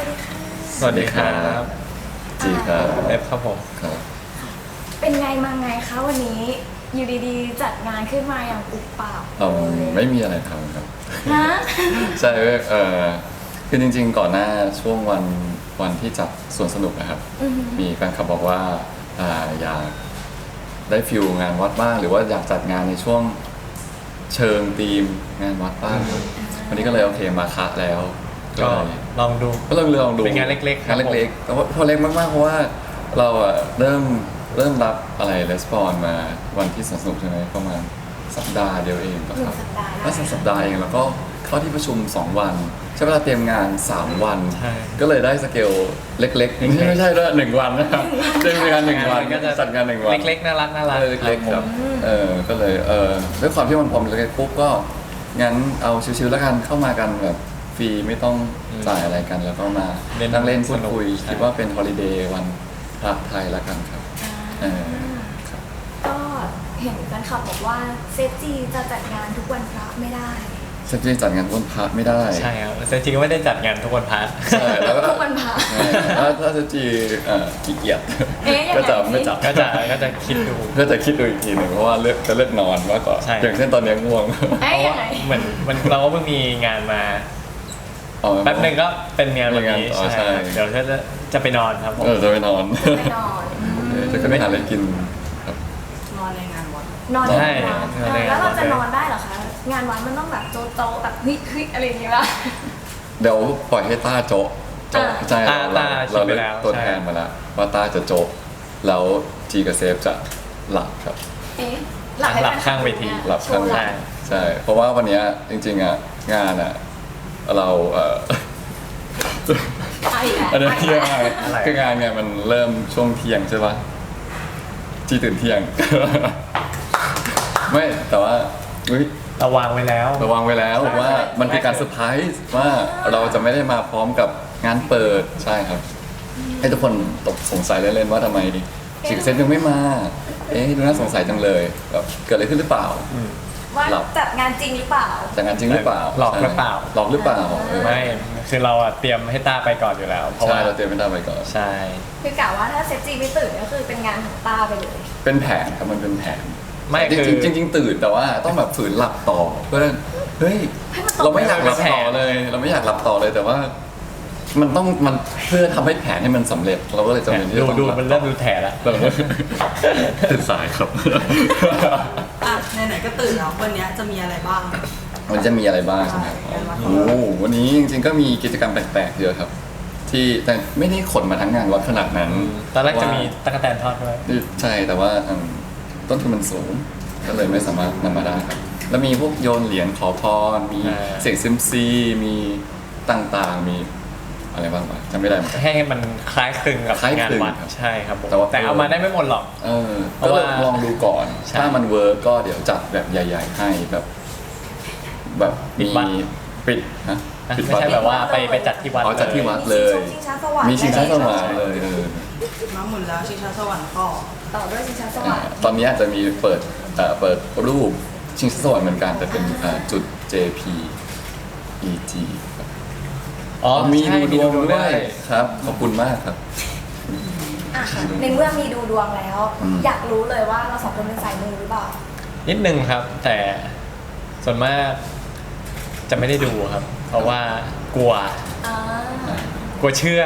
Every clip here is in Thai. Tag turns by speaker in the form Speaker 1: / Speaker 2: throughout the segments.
Speaker 1: วัสดีค่ะ
Speaker 2: สวัสดีครับ
Speaker 3: จีครับ
Speaker 2: เอฟครับผม
Speaker 3: ครับ
Speaker 1: เป็นไงมาไงคะวันนี้อยู่ดีๆจัดงานขึ้นมาอย่างปุบปับ
Speaker 3: ไม่มีอะไรทำครับ
Speaker 1: ฮะ
Speaker 3: ใช่คือจริงๆก่อนหน้าช่วงวันที่จัดสวนสนุกนะครับ มีแฟนคลับบอกว่าอยากได้ฟิลงานวัดบ้างหรือว่าอยากจัดงานในช่วงเชิงธีมงานวัดบ้างวันนี้ก็เลยโอเคมาคัดแล้ว
Speaker 2: ก็ลองดู
Speaker 3: ก็ลองดู
Speaker 2: เป็นงานเล็กๆ
Speaker 3: งานเล็กๆแต่ว่าพอเล็กมากๆเพราะว่าเราเริ่มรับอะไรレスปอนมาวันที่สนุกใช่ไหมประมาณสัปดาห์เดียวเองครับแล้วสัปดาห์เองแล้วก็เข้าที่ประชุม2วันใช้เวลาเตรียมงาน3วันก็เลยได้สเกลเล็กๆไม่ใช่ด้วย1วันนะครับเตรียมงาน1วันก็จะจัดงาน1วัน
Speaker 2: เล็กๆน่ารัก
Speaker 3: เล็กๆครับก็เลยด้วยความที่มันพอมเล็กๆปุ๊บก็งั้นเอาชิวๆแล้วกันเข้ามากันแบบฟรีไม่ต้องจ่ายอะไรกันแล้วก็มานั่งเล่นพูดคุยคิดว่าเป็นฮอลิเดย์วันพระไทยแล้วกันครับ
Speaker 1: ก็เห็นแฟนคลับบอกว่าเซจีจะจัดงานทุกวันพระไม่ได้
Speaker 3: เซจีจัดงานทุกวันพระไม่ได้
Speaker 2: ใช่ครับเซจีก็ไม่ได้จัดงานทุกวันพระ
Speaker 3: ใช่แล้วก็
Speaker 1: ทุกวันพระ
Speaker 3: ถ้าเซจีขี้เกียจ
Speaker 1: ก็
Speaker 3: จะไม่จัด
Speaker 2: ก็จะคิดดู
Speaker 3: ก็จะคิดดูอีกทีหนึ่งเพราะว่าจะเลือกนอนมากกว่าอย่างเช่นตอนนี้ง่วง
Speaker 2: เพราะว่าเหมือนเราก็เพิ่งมีงานมาแป๊บนึงก็เป็นงานวันนี้ใช่เดี๋ยวจะไปนอนครับผม
Speaker 3: จะไปนอนจะไม่หาอะไรกินครับ
Speaker 1: นอนในงานวัดนอนในงานวัดแล้วเราจะนอนได้เหรอคะงานวัดมันต้องแบบโจ๊ะแบบเฮ้ยอะไรอย่างเงี้ยป่ะ
Speaker 3: เดี๋ยวปล่อยให้ต้าโจ๊ะใช่เราเลือกตัวแทนมาแล้วว่าต้าจะโจ๊ะแล้วจีกับเซฟจะหลับครับ
Speaker 2: หลับข้างเวที
Speaker 3: หลับข้างใช่เพราะว่าวันนี้จริงๆงานเราอันนี้เที่ยงคืองานเนี่ยมันเริ่มช่วงเที่ยงใช่ปะจีตื่นเที่ยงไม่แต่ว่า
Speaker 2: ระวังไว้แล้ว
Speaker 3: ว่ามันเป็นการเซอร์ไพรส์ว่าเราจะไม่ได้มาพร้อมกับงานเปิดใช่ครับให้ทุกคนตกสงสัยเล่นๆว่าทำไมจิกเซนยังไม่มาดูน่าสงสัยจังเลยแบบเกิดอะไรขึ้นหรือเปล่า
Speaker 1: ว่าจัดงานจริงหรือเปล่า
Speaker 3: จัดงานจริงหรือเปล่า
Speaker 2: หลอกหรือเปล่าไม่คือเราเตรียมให้ต้าไปก่อนอยู่แล้ว
Speaker 3: เพราะว่าเราเตรียมให้ต้าไปก่อน
Speaker 2: ใช่
Speaker 1: คือกะว่าถ้าเซฟจีไม่ตื่นก็คือเป็นงานของต้าไปเลย
Speaker 3: เป็นแผนครับมันเป็นแผน
Speaker 2: ไม่
Speaker 3: จริงตื่นแต่ว่าต้องแบบฝืนหลับต่อเพื่อเฮ้ยเราไม่อยากหลับต่อเลยแต่ว่ามันเพื่อทำให้แผนให้มันสำเร็จเราก็เลยจำเป็นที่จะต้อง
Speaker 2: ดูมันเริ่มดูแถแล้ว
Speaker 3: ตื่นสายครับ
Speaker 4: ไหนๆก็ตื่นแล้ววันนี้จะมีอะไรบ้าง
Speaker 3: มันจะมีอะไรบ้างใช่ไหมวันนี้จริงๆก็มีกิจกรรมแปลกๆเยอะครับที่แต่ไม่ได้ขนมาทั้งงานวัดขนาดนั้น
Speaker 2: ตอนแรกจะมีตะกั่วแตนทอดด้วย
Speaker 3: ใช่แต่ว่าต้นทุนมันสูงก็เลยไม่สามารถนำมาได้ครับแล้วมีพวกโยนเหรียญขอพรมีเสียงซิมซีมีต่างๆมีอะไรบ้างวะจำไม่ได้
Speaker 2: ให้มันคล้ายคลึงกับงานวัดใช่ครับแต่เอามาได้ไม่หมดหรอก
Speaker 3: ก็ลองดูก่อนถ้ามันเวิร์กก็เดี๋ยวจัดแบบใหญ่ๆให้แบบมีปิดนะ
Speaker 2: ไม่ใช่แบบว่าไปจัดที่วัด
Speaker 3: จัดที่วัดเลยมีชิงช้าสวรรค์เลย
Speaker 4: มาหมุนแล้วชิงช้าสวรรค์
Speaker 1: ต่อด้วยชิงช้าสวรรค์
Speaker 3: ตอนนี้อาจจะมีเปิดรูปชิงช้าสวรรค์เหมือนกันแต่เป็นจุด JPEG มีดูดวงด้วยครับขอบคุณมากครับ
Speaker 1: ในเมื่อมีดูดวงแล้วอยากรู้เลยว่าเราสองคนเป็นสายมูหรือเปล่า
Speaker 2: นิดนึงครับแต่ส่วนมากจะไม่ได้ดูครับเพราะว่ากลัวเชื่อ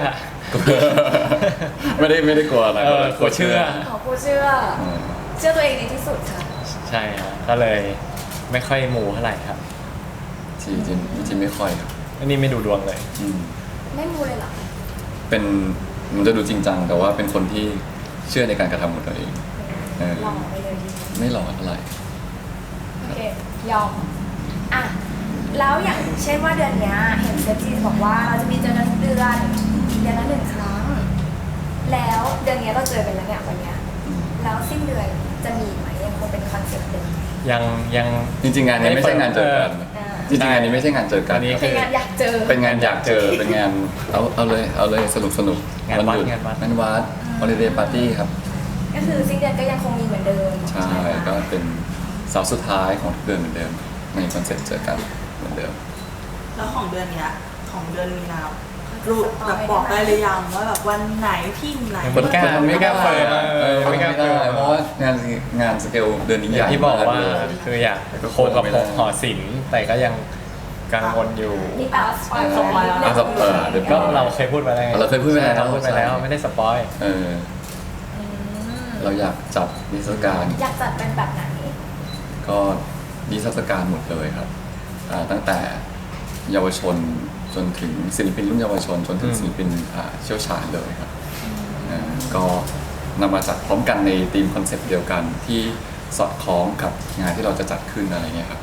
Speaker 3: ไม่ได้กลัวอะไร
Speaker 2: กลัวเชื่
Speaker 1: อตัวเองในที่สุดค่ะ
Speaker 2: ใช่ครับก็เลยไม่ค่อยมูเท่าไหร่ครับ
Speaker 3: จริงไม่ค่อยครับ
Speaker 2: อันนี้ไม่ดูดวงเลย
Speaker 1: ไม่มูเลยหรอ
Speaker 3: มันจะดูจริงจังแต่ว่าเป็นคนที่เชื่อในการกระทำของตัวเอง
Speaker 1: หล่อไปเลย
Speaker 3: ไม่หล่อเท่าไหร่
Speaker 1: โอเคยอมแล้วอย่างเช่นว่าเดือนนี้เห็นเซฟจีบอกว่าเราจะมีเจอกันทุกเดือนละ1 ครั้งแล้วเดือนนี้เราเจอกันแล้วเนี่ยวันนี้แล้วสิ้นเดือนจะมีไหมยังคงเป็นคอนเซ็ปต์เดิม
Speaker 2: ยัง
Speaker 3: จริงๆงานนี้ไม่ใช่งานเจอกันจริงๆงานนี้ไม่ใช่งานเจอกัน
Speaker 1: เป็นงานอยากเจอ
Speaker 3: เป็นงานอยากเจอเป็นงานเอาเลยสนุก
Speaker 2: งานวัด
Speaker 3: ฮอลิเดย์ปาร์ตี้ครับ
Speaker 1: ก็คือสิ้นเดือนก็ยังคงมีเหมือนเดิม
Speaker 3: ใช่ก็เป็นเสาร์สุดท้ายของทุกเดือนเหมือนเดิมในคอนเซ็ปต์เจอกันเหมือนเดิม
Speaker 4: แล้วของเดือนนี้ของเดือนมีนารูปแบบบอกได้หรือยังว่าแบบวันไหนที่ไหน
Speaker 2: ไม่กล้าไม่กล้าเปิด
Speaker 3: ไม่ได้เพราะว่างานสเกลเดือนนี้
Speaker 2: อ
Speaker 3: ให
Speaker 2: ย่า
Speaker 3: ญ่
Speaker 2: งที่บอกว่า
Speaker 3: เลย
Speaker 2: คืออยากโคกับหอศิลป์แต่ก็ยังกังวลอยู่
Speaker 1: นี่แปลว่าสปอยล์
Speaker 4: สปอยล์แล้ว
Speaker 3: สปอยล์เดี๋ยว
Speaker 2: ก็เราเคยพูดไปแล้วไง
Speaker 3: เราเคยพูดไปแล้ว
Speaker 2: เราพูดไปแล้วไม่ได้สปอย
Speaker 3: เออเราอยากจัดนิทรรศการ
Speaker 1: อยากจัดเป็นแบบไหน
Speaker 3: ก็นิทรรศการหมดเลยครับตั้งแต่เยาวชนจนถึงศิลปินรุ่นเยาวชนจนถึงศิลปินเชี่ยวชาญเลยครับก็นำมาจัดพร้อมกันในธีมคอนเซปต์เดียวกันที่สอดคล้องกับงานที่เราจะจัดขึ้นอะไรเงี้ยครับ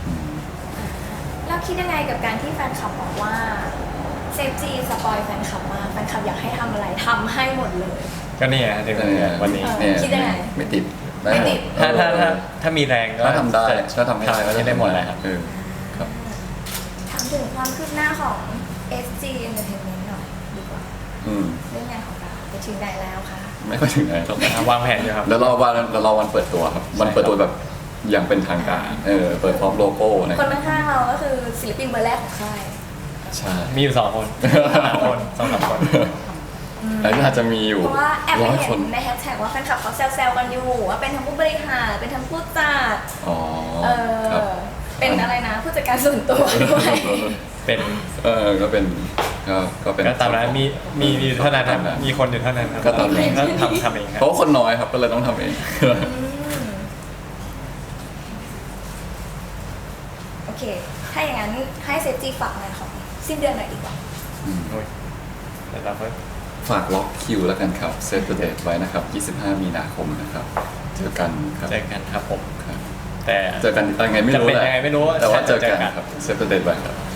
Speaker 1: แล้วคิดยังไงกับการที่แฟนคลับบอกว่าเซฟจีสปอยแฟนคลับมากแฟนคลับอยากให้ทำอะไรทำให้หมดเลย
Speaker 2: ก็เนี่ยถึงวันนี้
Speaker 1: เออคิดยังไง
Speaker 3: ไม่ติด
Speaker 1: ไม่ติด
Speaker 2: ถ้ามีแรงก็
Speaker 3: ถ้าทำได้ถ้าทำให้ได้ก็
Speaker 2: ได้หมดแหละครับ
Speaker 3: ครับ
Speaker 1: ถามถึงความคืบหน้าของ SG Entertainment หน่อยดีกว่า เรื่องงานของเราไปถึงไหนแล้วคะ
Speaker 3: ไม่ค่อยถึงไหนหรอก
Speaker 2: วางแผนอยู่ครับ
Speaker 3: แล้วรอวันเปิดตัวครับวันเปิดตัวแบบอย่างเป็นทางการเปิดพร้อมโลโก้นะ
Speaker 1: คนข้างๆเราก็คือศิลปินเบอร์แรกของค่าย
Speaker 3: ใช่
Speaker 2: มีอยู่2 คน3 คน2-3 คน
Speaker 3: แล้วก็อาจจะมีอยู่
Speaker 1: เพราะว่าแอบไป
Speaker 3: 100
Speaker 1: เห็
Speaker 3: คน
Speaker 1: นในแฮชแท็กว่าแฟนคลับเขาแซวๆกันอยู่ว่าเป็นทั้งผู้บริหารเป็นทั้งผู้จัด
Speaker 3: อ๋อ
Speaker 1: เอ
Speaker 3: ครับ
Speaker 1: อเป็นอะไรนะผู้จัดการส่วนตัวด้วย
Speaker 2: เป็น
Speaker 3: ก็เป็นก็เป็น
Speaker 2: ก็ตามนั้นมีเท่านั้นครับมีคนอยู่เท่านั้นครับ
Speaker 3: ก็ตามนั้น
Speaker 2: ก็ทำเองครั
Speaker 3: เพ
Speaker 2: บ
Speaker 3: ราะว่าคนน้อยครับก็เลยต้องทำเอง
Speaker 1: โอเค ถ้าอย่างนั้นให้เซฟจีฝากงานของสิ้นเดือนหน่อยดีกว่า
Speaker 2: เดี๋ยวเราก็
Speaker 3: ฝากล็อกคิวแล้วกันครับเซตเดทไว้นะครับ 25 มีนาคมนะครับ เจอกันครับ
Speaker 2: เจอกันครับผม
Speaker 3: ครับ
Speaker 2: แต่
Speaker 3: เจอกันยังไงไม่รู้
Speaker 2: จะเป็น
Speaker 3: แหละ
Speaker 2: ยังไงไม่รู้
Speaker 3: แต่ว่าเจอ
Speaker 2: เจอกั
Speaker 3: กัน
Speaker 2: น
Speaker 3: ครับเซตเดทไว้ครับ